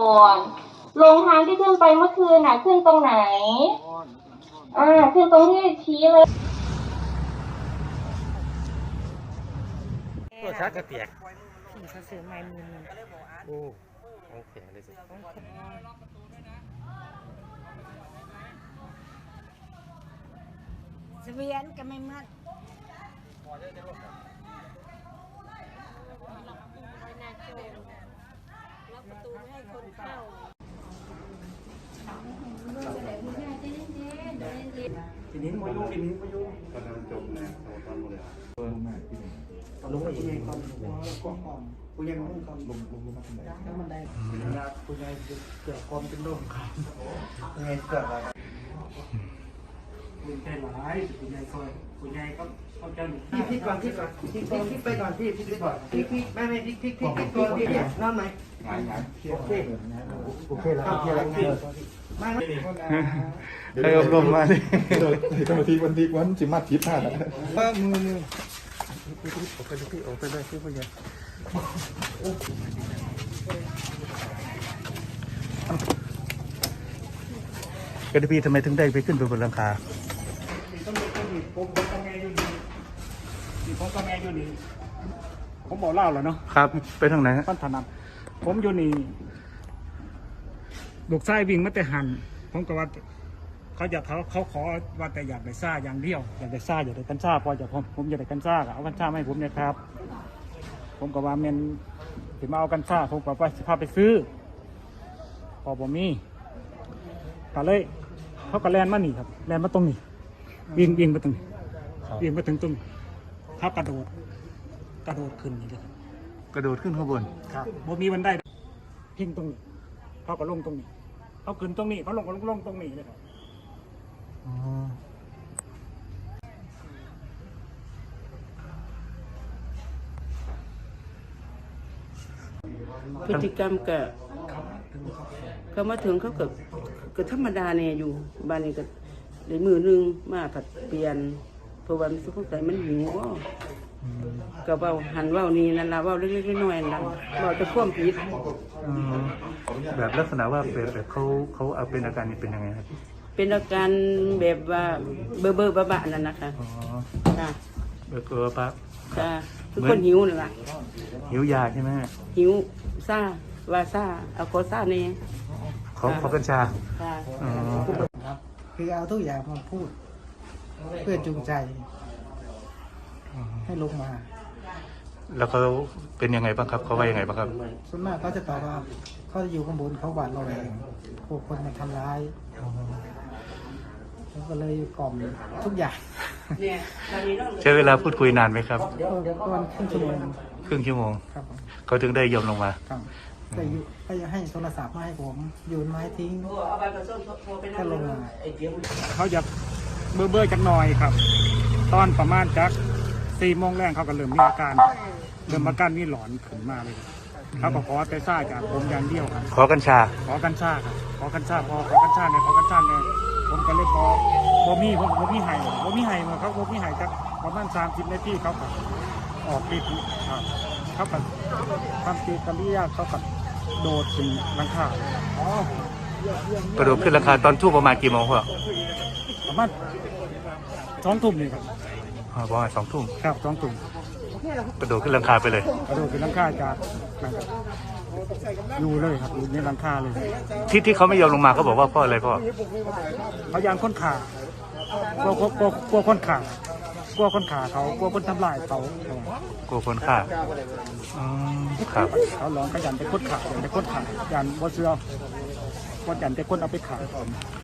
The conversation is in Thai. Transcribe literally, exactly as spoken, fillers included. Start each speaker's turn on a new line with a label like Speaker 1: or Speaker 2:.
Speaker 1: ก่อนลงทางที่ขึ้นไปเมื่อคืนน่ะขึ้นตรงไหนอ่าขึ้นตรงที่ชี้เลย
Speaker 2: ตัวชักกระเตียก
Speaker 3: ขี่เขาซื้อไม้มือนึง
Speaker 2: โอ้โอเคเลยสิ
Speaker 3: เสวียนก็ไม่มัดล็อกประตูไม่ให้คนเข้า
Speaker 4: ทีนี้มายุ่งทีนี้มายุ่ง
Speaker 5: ตอนนั้นจบแล้วตอนหมดเลย
Speaker 4: ลงไปยังไงก่อนก่อนก่อนกูยังลงก่อนลงลงลงมาแล้วมันได้กูยังเกี่ยวความเป็นโรคขายังไงเกิดอะไรคุณแค่หลายคุณยายซอยคุณยายก็เขาจะพี่พี่ก่อนพี่ก่อนพี่พี่พี่ไปก่อนพี่พี่ไปก่อนพี่พี่ไม่ไม่พี่พี่พี่พี่ตัวพี่นอนไหมงานงานโอเคโอเคแล้วโอเคแล้วไม่ไม่
Speaker 5: ได้อบรมมาดิเจ้าหน้าที่วันที่วันจิมาทิพย์พลาดนะว่ามือมือออกไปเลยพี่ออกไปเลยพี่ผู้ใหญ่กระพี่ทำไมถึงได้ไปขึ้นไปบนหลังคา
Speaker 4: ต้องมีต้องมีผมกับแม่อยู่นี่มีผมกับแม่อยู่นี่ผมบอกเล่าแล้วเนาะ
Speaker 5: ครับไปทางไหนฮะ
Speaker 4: ท่านถนัดผมอยู่นี่ลูกชายวิ่งมาแต่หันผมก็ว่าเขาอยากเขาเขาขอว่าแต่อยากได้ซ่าอย่างเดียวอยากได้ซ่าอยากได้กัญชาพอจะผมผมอยากได้กัญชาเอากัญชาให้ผมเนี่ยครับ ผมก็ว่าเมนถึงมาเอากัญชาผมก็ไปพาไปซื้อพอผมมีก็เลยเขาก็แลนมาหนีครับแลนมาตรงนี้วิ่งวิ่งมาตรงนี้วิ่งมาถึงตรงเขากระโดดกระโดดขึ้นนี่เลย
Speaker 5: กระโดดขึ้นข้างบน
Speaker 4: ครับผมมีบันไดพิงตรงนี้เขาก็ลงตรงนี้เขาขึ้นตรงนี้เขาลงก็ลงตรงนี้เลยครับ
Speaker 6: พฤติกรรมก็เขามาถึงเขาก็ก็ธรรมดาเนี่ยอยู่บ้านนี้ก็ได้มือนึงมาผัดเปลี่ยนเพราะว่ามันสุขใจมันหิวก็ก็เบาหันเบานี่นั่นละเบาเล็กๆน้อยๆนั่นเบาจะพ่วงผิด
Speaker 5: แบบลักษณะว่าแบบแบบเขาเขาเอาเป็นอาการนี้เป็นยังไงครับ
Speaker 6: เป็นอาการแบบว่าเบอร์เบอร์บ้าๆนั่นนะคะ
Speaker 5: อ๋อ
Speaker 6: จ้า
Speaker 5: แบบเกลือปะ
Speaker 6: จ้าทุกคนหิวนั่นแหละ
Speaker 5: หิวยาใช่ไหม
Speaker 6: หิวซ่าว่าซ่าเอาโคซ่าเนี่ย
Speaker 5: เขาเขากัญชา
Speaker 4: ครับคือเอาทุกอย่างมาพูดเพื่อจูงใจให้ลงมา
Speaker 5: แล้วเขาเป็นยังไงบ้างครับเขาว่ายังไงบ้างครับ
Speaker 4: ส่วนมากเขาจะตอบว่าเขาจะอยู่ข้างบนเขาหวาดระแวงพวกคนมาทำร้ายเขาก็เลยกล่อมทุกอย่าง
Speaker 5: ใช้เวลาพูดคุยนานไหมครับ
Speaker 4: ประมาณครึ่งชั่วโมง
Speaker 5: ครึ่งชั่วโมง
Speaker 4: ครับ
Speaker 5: เขาถึงได้ยอมลงมา
Speaker 4: ครับแต่ก็จะให้โทรศัพท์มาให้ผมโยนไม้ทิ้งก็ลงมาเขาจะเบื่อเบื่อจักหน่อยครับตอนประมาณจักสี่โมงแรกเขาก็เริ่มมีอาการเริ่มอาการนี่หลอนขึ้นมาเลยเขาก็ขอแต่ซ่าจากผมอย่างเดียวครับ
Speaker 5: ขอกัญชา
Speaker 4: ขอกัญชาครับขอกัญชาพอขอกัญชาเนี่ยขอกัญชาเนี่ยผมก็เลยพอบ่มีผมบ่มีไห้บ่มีไห้มาเขาบ่มีไห้จักประมาณสามสิบนาทีเขาก็ออกฤทธิ์ครับเขาก็ทำกิจกรรมยากเขาก็โดดถึงหลังคาก
Speaker 5: ระโดดขึ้นราคาตอนทุ่มประมาณกี่โมงพ่อ
Speaker 4: ประมาณสองทุ่มนี่ครับ
Speaker 5: ประมาณสองทุ่ม
Speaker 4: ครับสองทุ่ม
Speaker 5: กระโดดขึ้นหลังคาไปเลย
Speaker 4: กระโดดขึ้นหลังคาจากอยู่เลยครับอยู่ในหลังคาเลย
Speaker 5: ที่ที่เขาไม่ยอมลงมาเขาบอกว่าพ่ออะไรพ่อ
Speaker 4: เขายางค้นขากลัวกลัวกลัวกลัวค้นขากลัวค้นขาเขากลัวคนทำลายเขา
Speaker 5: กลัวคนฆ่าครับ
Speaker 4: เขาหลอนขยันไปค้นขายันไปค้นขายันบ่เชื่อก็ยันไปค้นเอาไปขาย